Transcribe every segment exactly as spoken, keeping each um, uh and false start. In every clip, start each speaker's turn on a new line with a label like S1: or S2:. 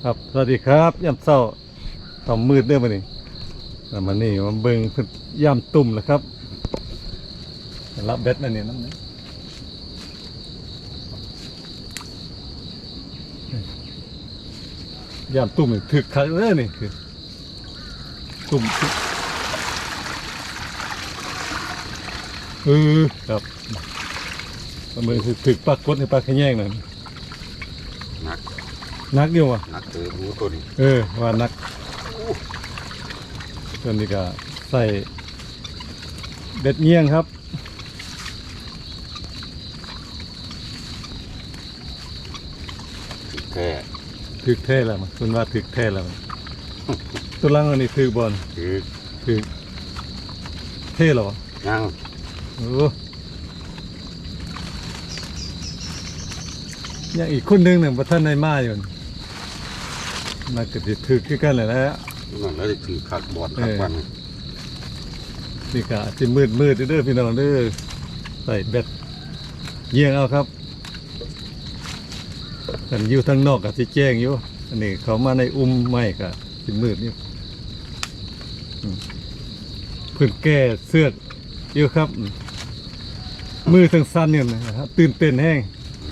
S1: ครับสวัสดีครับยามเช้าตอนมืดเด้อมานี่แล้วมานี่มาเบิ่งเพิ่นยามตุ่มแล้วครับรับเบ็ดนั่นนี่น้ำนี้ยามตุ่มนี่ถึกคักเลยนี่คือตุ่มเออครับมาเบิ่งคือถึกปลากดในปลาขะแยงนั่น
S2: นัก
S1: นักอยู่วะ
S2: นักเจอรู้ตัวนี้
S1: เออว่านักส่วนนี้ก็ใส่เบ็ดเงี้ยงครับ
S2: แค่
S1: ถึกแท้แล้วมันคุณว่าถึกแท้แล้วมันตัวล่างอันนี้ถึกบอล
S2: คือ
S1: ถึกเท่เหรอวะ
S2: ยัง
S1: โอ้ยังอีกคนหนึงหนึ่งประท่านในมาอยู่น่าจะถึกคือกันเลยนะฮะ
S2: นั่นแล้วจะถือขัดบอดขัดวัน
S1: นี่ก็จะมืดมืดเด้อพี่น้องเด้อใส่เบ็ดเยี่ยงเอาครับกันอยู่ทางนอกก็จะแจ้งอยู่อันนี้เขามาในอุ้มไม้ก็จะมืดนี่อืมเพื่อนแก้เสื้ออยู่ครับอืมมือทั้งสั้นเนี่ยนะครับตื่นเต้นแห้ง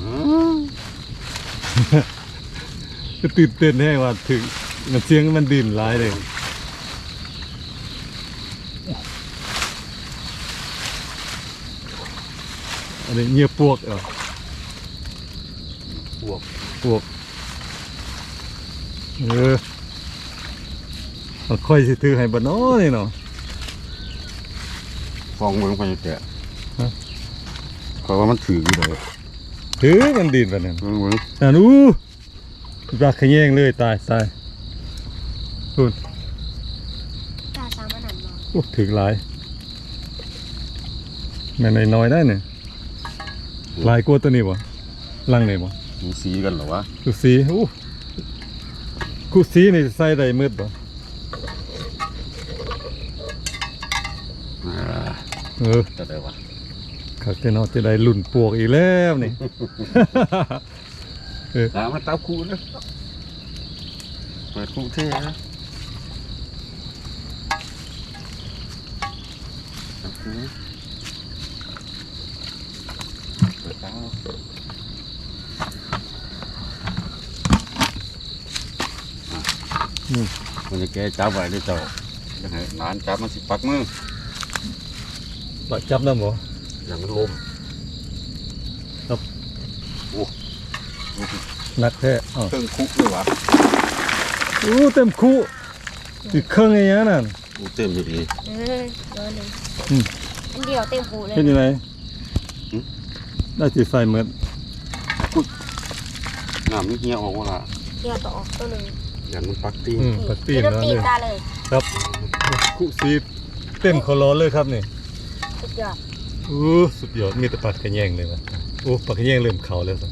S1: ก็ตื่นเต้นแห้งว่าถึงมันเสียงมันดิ่นร้ายเลยอันนี้เงียบปวกเหรอ
S2: พวก
S1: ปวกเออมันค่อยสิถือให้บ่น้อนี่เนาะ
S2: ฟองเมืองไปแกะเพราะว่ามันถืออยู่เลย
S1: ถือมันดิ่นแบบนั้น
S2: เมืองเมือง
S1: อ่านูปลาขะแยงเลยตายตายคุณ
S3: ตาสามันหันมา
S1: โอ้ถือหลายแม่นน้อยๆได้เนี่ยหลายกว่าตัวนี้บ่ลังไหนบ่
S2: มีสีกันเหรอวะ
S1: กูสีโอ้กูสีนี่ใส่ได้มืดบ่
S2: อ่า
S1: เออ
S2: จะได้วะ
S1: เขาจะเนาะจะได้ลุ่นปวกอีกแล้วนี่ เออ
S2: ตามมาตาคู่นะเปิดคู่เท่นะตาคู่เปิดตา
S1: อืม
S2: มันจะแกจับไว้ด้วยเจ้ายังไงนานจับมันสิปักมือ
S1: ปลาจับน้ำบ่
S2: อย่างมันลม
S1: นักแท้อ๋อ
S2: เครื่องคุกเลยวะ
S1: โอ้เต็มคู่อีกเครื่องไอ้ยังนั่น
S2: กูเต็มอยู่ดี
S3: เออโดนหนึ่ง
S1: อืม
S3: อันเดียวเต็มหูเลย
S1: เห็นยังไงได้สิใส่เหมือน
S2: น้ำนี่เหี้ยออกว่าละ
S3: เดียวต่อตัวหนึ่ง
S2: อย่างมันปักตี
S1: อืมปลาตีน
S3: เดี๋ยว
S1: แล้ว
S3: ตีน
S1: นี่
S3: ตาเลย
S1: ครับคู่สีเต็มคอรอเลยครับนี่
S3: สุดยอด
S1: โอ้สุดยอดมีแต่ปลากระแยงเลยวะโอ้ปลากระแยงเริ่มเข่าแล้วสิ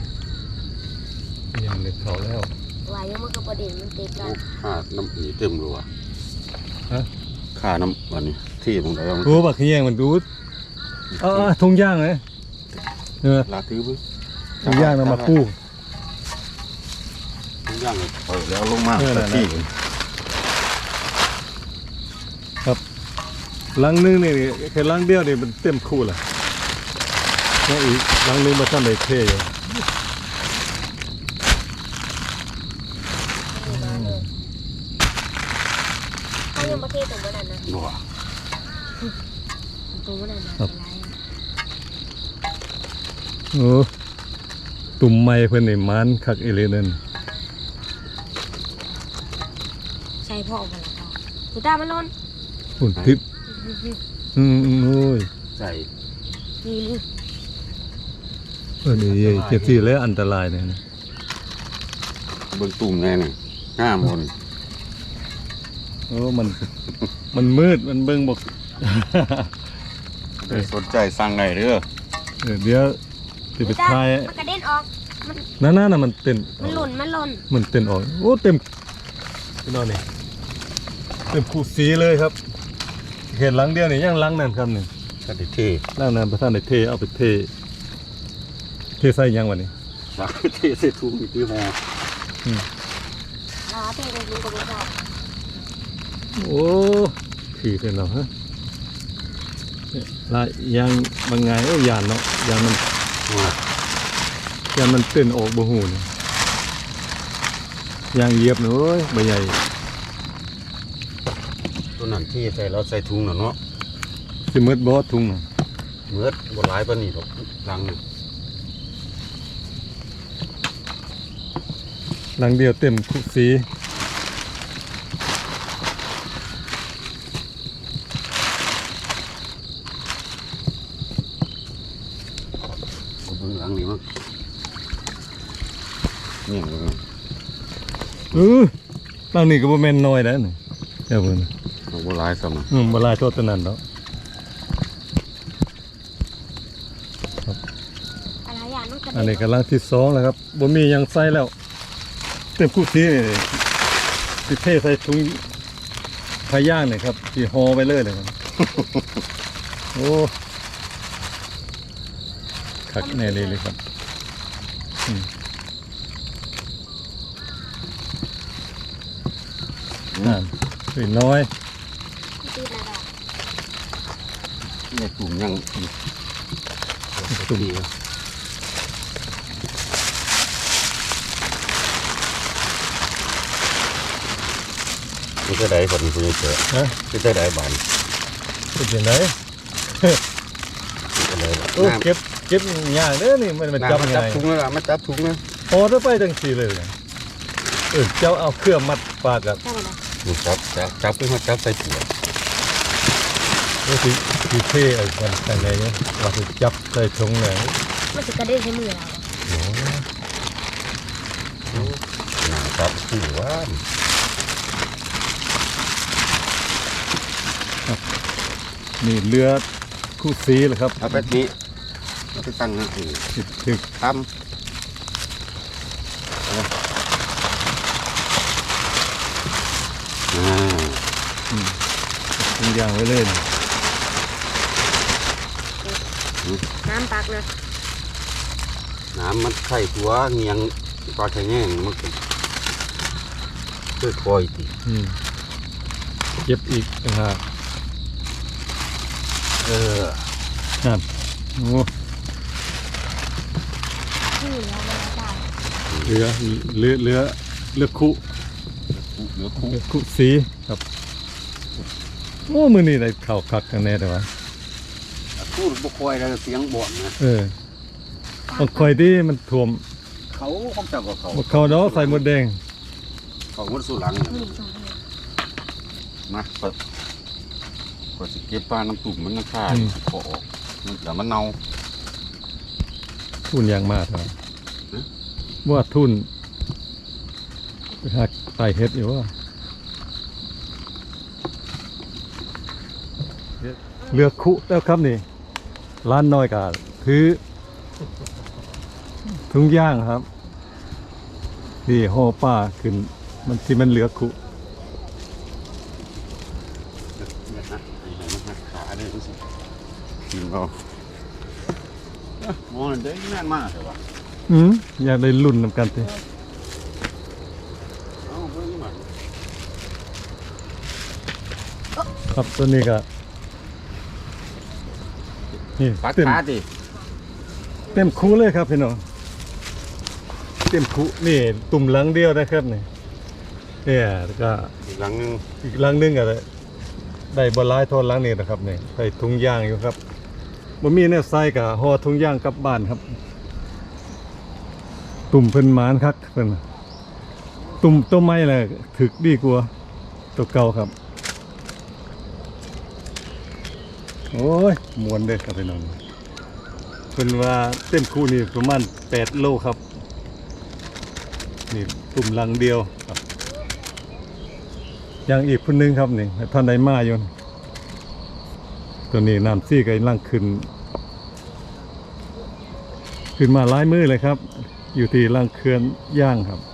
S1: ยังเริ่มเข่าแล้ว
S3: วายยังมันก็ประเด็นมันติดกัน
S2: ข้าน้ำอีเต็มรัว
S1: ฮะ
S2: ข้าน้ำวันนี้ที่ตรงไหนวะ
S1: โอ้ปลากระแยงมันดูดเอาเอาทงย่างเลยเออ
S2: ลาตื้อบึ้ง
S1: ทงย่างนำมากู้
S2: ทุกอย่างเลยเปิดแล้วลงมา
S1: เออนั่นน่ะ
S2: ที่
S1: ลังนึงนี่แค่ลังเดียวนี่มันเต็มคู่ละแล้วอีกลังนึงมาทำในเท่อยู่
S3: มีมาเลยเขายังประเทศตรงนั้นนะ
S2: หนัว
S3: ตรงนั้นนะอะไร
S1: โอ้ตุ่มไม้เพิ่นนี่มันคักอีหลีนั่น
S3: ใช่พ่อออกมาแล้วค่ะสุดตามันร้อน
S1: ฝุ่นทิพย์อืมอืมโอ้ย
S2: ใส่
S3: นี่นี่
S1: เออนี่เจ็บที่แล้วอันตรายเนี่ยนะ
S2: เบิ้งตุ่มแน่นี่ห้ามคน
S1: โอ้มันมันมืดมันเบิ่งบอก
S2: สนใจสั่งไงเด้อ
S1: เออเดี๋ยวจะไป
S3: สุดตา
S1: ทาย
S3: มันกระเด็นออกมัน
S1: นั่นน่ะน่ะมันเต้น
S3: มันหล่นมันหล่น
S1: มันเต้นออกโอ้เต็มพี่น้องนี่เต็มคู่สีเลยครับเห็นหลังเดียวนี่ยังหลังนั่นครับนี่
S2: ก็ได้เท่
S1: หลังนั้นประธานได้เทเอาไปเทเทใส่ยังวะนี่
S2: สักเท่ใส่ถุงอีกที่หอ
S1: อืม
S3: เพ่งยิงกับบุษรา
S1: โอ้ขี่เป็นเหรอฮะละยางบางไงโอ้ยานเนาะยานมัน
S2: ว่าย
S1: านมันเต้นออกบ่หูนี่ยางเหยียบเนอะเอ้ยใบใหญ่
S2: ตัวนั้นที่ใส่เราใส่ถุงน่ะเนาะ
S1: สิมืดบ่ทุ่งน่ะ
S2: เมื่อบ่หลายปานนี้ดอกลังนี่
S1: หลังเดียวเต็มคุกสี
S2: ก็เบิ่งหลังนี่มั้งเนี่ยเบิ่ง
S1: เออหลังนี้ก็บ่แม่นน้อยแล้วนี่เจ้าเบิ่ง
S2: เอาบ่หลายซ้ำน่ะ
S1: อืมบ่หลายโทษตัวนั้นดอก
S3: อะไรอย่างนั้นกระ
S1: อัน
S3: เด็
S1: นี้
S3: น
S1: กำลังที่สองแล้วครับบ่มีหยังใส่แล้ว เต็มคุกสีนี่สิเทใส่ถุงพาย่างนี่ครับสิห่อไปเลยเลยครับ โอ้คักแน่เลยเลยครับอืมนั่นสวยน้อย
S3: ตีนอะไร
S2: เนี่ยถุงยังอีก
S1: ตุ่ม
S2: มันจะได้ผลคุณยังเจอ
S1: ฮะ
S2: มันจะได้บาน
S1: เป็นยังไง
S2: มันจะได้บาน
S1: โอ้เก็บเก็บยากเด้อนี่มันมันจับ
S2: มัน
S1: ยัง
S2: จับ
S1: ไง
S2: ถุงแล้วล่ะมันจับถุงนะ
S1: พอถ้าไปจังสีเลยเนี่ยเออเจ้าเอาเครื่องมัดปากกับ
S3: ใช่ไหมนะ
S2: มันจับจับจับขึ้นมาจับใส่ถุง
S1: โอ้สิสิเท่ไอ้มันจังไงเนี่ยว่าสิจับใส่ถุงไหน
S3: มันจะกระเด็นใช้มือเรา
S1: โอ้
S2: หนาจับถุงว่า
S1: นี่เรือคู่สีเหรอครับ
S2: เอาไปนี้เอาไปตั้งนะคือ
S1: ถึกถึก
S2: ทำอ่า
S1: ทุกอย่างไว้เลย
S3: น้ำปักนะ
S2: น้ำมันไข่ตัวเงียงปลาไข่แง่งมันก็ค่อยคอยติ
S1: อืมเก็บอีกต่างหาก
S2: เออ
S1: นั่นโอ้
S3: ที่อยู่แล้วไม่ได้
S1: เรือเรือเรือเรือคู่
S2: เหลือคู่
S1: เรือคู่สีครับโอ้มือนี่ได้เข่าคักกันแน่แต่ว่า
S2: คู่บุคอยแล้วเสียงบ่นนะ
S1: เออมันคอยที่มันท่วม
S2: เขาเขาจับกับเขา
S1: บ่เขาดอกใส่หมดแดง
S2: เขาหมดสุหลังเนี่ย
S3: หนึ่งสอง
S2: มาเปิดกว่าจะเก็บปลาน้ำตุ่มมันน้ำข้าขอออกมันเดี๋ยวมันเน่า
S1: ทุนยางมากครับว่าทุนไปหาไต่เฮ็ดอยู่ว่าเลือกคุแล้วครับนี่ร้านน้อยกาถือถุงย่างครับนี่ห่อป้าขึ้นมันที่มันเหลือคุ
S2: เนี่ยนะไอ้ไหนมันหักขาเนี่ยรู้สึกกินเขามองได้แน่นมากเลยว่ะ
S1: อืมอยากได้รุ่นนำกันสิ
S2: เอาเพิ่มมา
S1: ครับตัวนี้ก็นี่
S2: ปัด
S1: เต็ม
S2: ขาดิ
S1: เต็มคูเลยครับพี่น้องเต็มคูนี่ตุ่มหลังเดียวนะครับนี่เนี่ยแล้วก็
S2: อีกหลังนึง
S1: อีกหลังหนึงก็ได้ได้บอลลายโทนหลังนี้นะครับนี่ใส่ถุงยางอยู่ครับบ่มีแนวใส่กับห่อถุงยางกลับบ้านครับ ตุ่มเพิ่นหมานคักเพิ่นตุ่มตัวไม้แหละถึกดีกว่าตัวเก่าครับโอ้ยมวนเด้อครับพี่น้องเพิ่นว่าเต็มคู่นี่ประมาณแปดโลครับนี่ตุ่มหลังเดียวครับยังอีกคนนึงครับนี่ท่านใดมาอยู่ตัวนี้น้ำซี่ก็กำลังขึ้น ขึ้นมาหลายมือเลยครับ อยู่ที่ล่างเขื่อนย่างครับ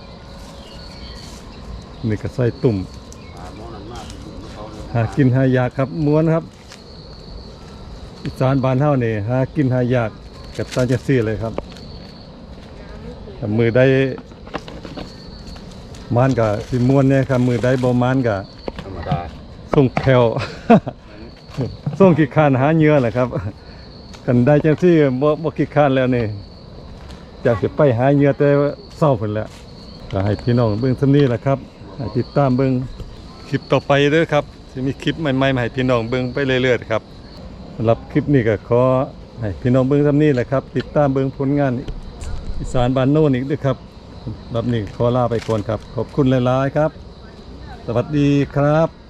S1: นี่ก็ใส่ตุ่ม
S2: อ่ามองนั่นมากเขาเลย
S1: หากินหายากครับม้วนครับอีสานบ้านเฮานี่หากินหายากกับตาจะซี่เลยครับถ้ามือได้มานก็สิม่วนเนี่ยครับมือใดบ่มานก็
S2: ธรรมดา
S1: ส่งแคว ส่งขี้คร้านหาเหยื่อแหละครับกันได้จังซี่บ่บ่ขี้คร้านแล้วนี่อยากสิไปหาเหยื่อแต่ว่าเศร้าพุ่นแล้วก็ให้พี่น้องเบิ่งซำนี้แหละครับให้ติดตามเบิ่งคลิปต่อไปเด้อครับสิมีคลิปใหม่ๆมาให้พี่น้องเบิ่งไปเรื่อยๆครับสำหรับคลิปนี้ก็ขอให้พี่น้องเบิ่งซำนี้แหละครับติดตามเบิ่งผลงานอีสานบ้านโน่นอีกด้วยครับสำหรับนี้ขอลาไปก่อนครับขอบคุณหลายๆครับสวัสดีครับ